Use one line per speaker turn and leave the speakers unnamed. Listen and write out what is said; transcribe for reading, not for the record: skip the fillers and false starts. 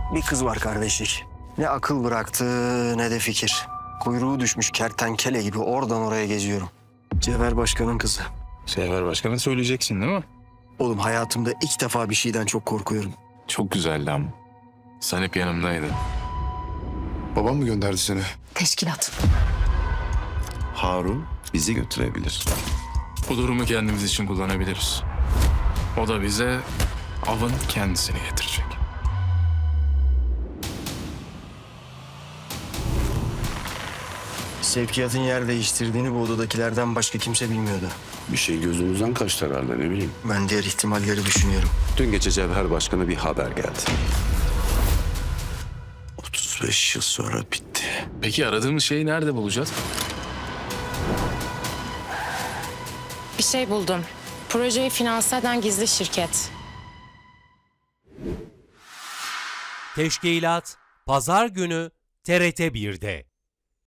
Bir kız var kardeşlik. Ne akıl bıraktı ne de fikir. Kuyruğu düşmüş kertenkele gibi oradan oraya geziyorum. Cevher Başkan'ın kızı.
Sefer Başkan'a söyleyeceksin değil mi?
Oğlum hayatımda ilk defa bir şeyden çok korkuyorum.
Çok güzeldi ama. Sen hep yanımdaydın.
Babam mı gönderdi seni?
Teşkilat.
Harun bizi götürebilir.
Bu durumu kendimiz için kullanabiliriz. O da bize avın kendisini getirecek.
Sevkiyatın yer değiştirdiğini bu odadakilerden başka kimse bilmiyordu.
Bir şey gözümüzden kaçtı herhalde, ne bileyim.
Ben diğer ihtimalleri düşünüyorum.
Dün gece Cevher Başkan'a bir haber geldi. 35 yıl sonra bitti.
Peki aradığımız şeyi nerede bulacağız?
Bir şey buldum. Projeyi finanse eden gizli şirket.
Teşkilat Pazar günü TRT 1'de.